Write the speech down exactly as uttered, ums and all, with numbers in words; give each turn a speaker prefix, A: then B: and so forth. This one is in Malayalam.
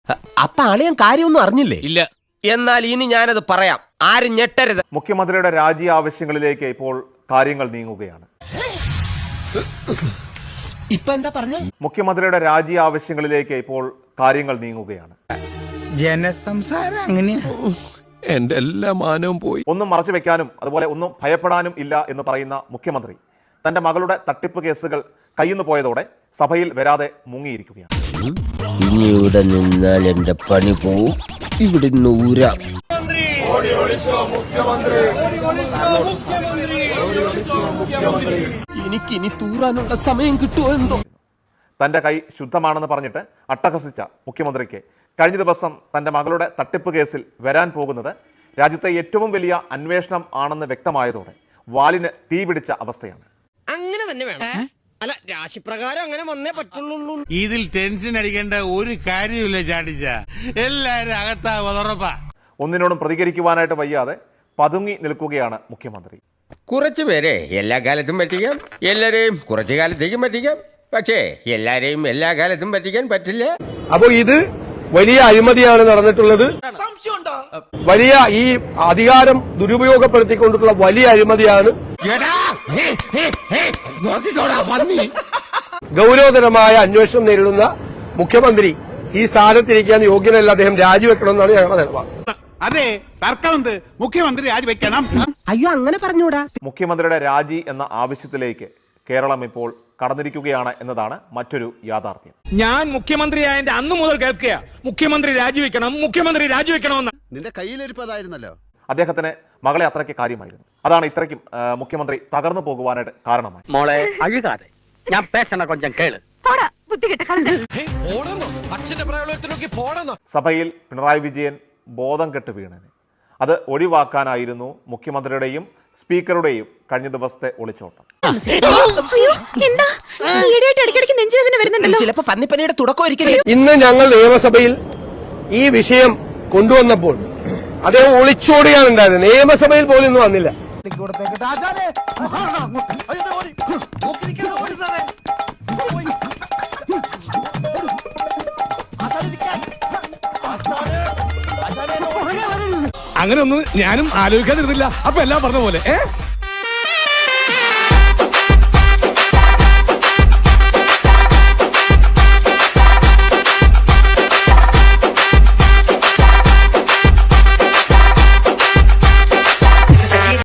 A: അപ്പൊ അളിയൻ കാര്യമൊന്നും അറിഞ്ഞില്ലേ?
B: ഇല്ല.
A: എന്നാൽ ഇനി ഞാനത് പറയാം, ആരും ഞെട്ടരുത്.
C: മുഖ്യമന്ത്രിയുടെ രാജി ആവശ്യങ്ങളിലേക്ക് ഇപ്പോൾ കാര്യങ്ങൾ നീങ്ങുകയാണ്.
A: ഇപ്പൊ എന്താ പറഞ്ഞ?
C: മുഖ്യമന്ത്രിയുടെ രാജി ആവശ്യങ്ങളിലേക്ക് ഇപ്പോൾ കാര്യങ്ങൾ നീങ്ങുകയാണ്.
D: ജനസംസാരം അങ്ങനെയാ.
B: എന്റെ എല്ലാ മാനവും പോയി.
C: ഒന്നും മറച്ചു വെക്കാനും അതുപോലെ ഒന്നും ഭയപ്പെടാനും ഇല്ല എന്ന് പറയുന്ന മുഖ്യമന്ത്രി തന്റെ മകളുടെ തട്ടിപ്പ് കേസുകൾ കയ്യിന്ന് പോയതോടെ സഭയിൽ വരാതെ മുങ്ങിയിരിക്കുകയാണ്.
A: ഇനി ഇവിടെ നിന്നാൽ എന്റെ പണി പോവും. ഇവിടെ നൂരാ എനിക്കിനി തൂറാനുള്ള സമയം കിട്ടുമോ എന്തോ.
C: തന്റെ കൈ ശുദ്ധമാണെന്ന് പറഞ്ഞിട്ട് അട്ടഹസിച്ച മുഖ്യമന്ത്രിക്ക് കഴിഞ്ഞ ദിവസം തന്റെ മകളുടെ തട്ടിപ്പ് കേസിൽ വരാൻ പോകുന്നത് രാജ്യത്തെ ഏറ്റവും വലിയ അന്വേഷണം ആണെന്ന് വ്യക്തമായതോടെ വാലിന് തീ പിടിച്ച അവസ്ഥയാണ്.
E: അങ്ങനെ തന്നെ വേണം. അല്ല, രാശിപ്രകാരം അങ്ങനെ വന്നേ പറ്റുള്ളൂ.
F: ഇതിൽ ടെൻഷൻ അടിക്കേണ്ട ഒരു കാര്യമില്ല ചാടിച്ച, എല്ലാരും അകത്താ ഉറപ്പാ.
C: ഒന്നിനോടും പ്രതികരിക്കുവാനായിട്ട് വയ്യാതെ പതുങ്ങി നിൽക്കുകയാണ് മുഖ്യമന്ത്രി.
A: കുറച്ചു പേരെ എല്ലാ കാലത്തും പറ്റിക്കാം, എല്ലാരെയും കുറച്ചു കാലത്തേക്കും പറ്റിക്കാം. പക്ഷേ എല്ലാരെയും എല്ലാ കാലത്തും പറ്റിക്കാൻ പറ്റില്ല.
G: അപ്പോ ഇത് വലിയ അഴിമതിയാണ് നടന്നിട്ടുള്ളത്. വലിയ ഈ അധികാരം ദുരുപയോഗപ്പെടുത്തിക്കൊണ്ടിട്ടുള്ള വലിയ അഴിമതിയാണ്. ഗൗരവതരമായ അന്വേഷണം നേരിടുന്ന മുഖ്യമന്ത്രി ഈ സ്ഥാനത്തിരിക്കാൻ യോഗ്യനല്ല. അദ്ദേഹം രാജിവെക്കണമെന്നാണ് ഞങ്ങളുടെ നിലപാട്.
F: അതെ, തർക്കമുണ്ട്. മുഖ്യമന്ത്രി രാജിവെക്കണം.
E: അയ്യോ, അങ്ങനെ പറഞ്ഞൂടാ.
C: മുഖ്യമന്ത്രിയുടെ രാജി എന്ന ആവശ്യത്തിലേക്ക് കേരളം ഇപ്പോൾ കടന്നിരിക്കുകയാണ് എന്നതാണ് മറ്റൊരു യാഥാർത്ഥ്യം.
H: ഞാൻ മുഖ്യമന്ത്രിയായതിന്റെ അന്നു മുതൽ കേൾക്കുക, മുഖ്യമന്ത്രി രാജിവെക്കണം, മുഖ്യമന്ത്രി രാജിവെക്കണമെന്ന്.
D: നിന്റെ കയ്യിലിരിപ്പതായിരുന്നല്ലോ.
C: അദ്ദേഹത്തിന് മകളെ അത്രയ്ക്ക് കാര്യമായിരുന്നു. അതാണ് ഇത്രയ്ക്കും മുഖ്യമന്ത്രി തകർന്നു പോകുവാനായിട്ട് കാരണമായി.
H: മോളെ അഴുകാതെ ഞാൻ പേശണ കൊഞ്ചം കേള്.
C: സഭയിൽ പിണറായി വിജയൻ ബോധം കെട്ട് വീണന് അത് ഒഴിവാക്കാനായിരുന്നു മുഖ്യമന്ത്രിയുടെയും സ്പീക്കറുടെയും കഴിഞ്ഞ ദിവസത്തെ ഒളിച്ചോട്ടം.
A: ചിലപ്പോ പന്നിപ്പനിയുടെ തുടക്കം.
G: ഇന്ന് ഞങ്ങൾ നിയമസഭയിൽ ഈ വിഷയം കൊണ്ടുവന്നപ്പോൾ അദ്ദേഹം ഒളിച്ചോടുകയാണ് ഉണ്ടായത്. നിയമസഭയിൽ പോലും ഇന്ന് വന്നില്ല.
H: അങ്ങനെ ഒന്നും ഞാനും ആലോചിക്കാതിരുന്നില്ല. അപ്പൊ എല്ലാം പറഞ്ഞ പോലെ ഏ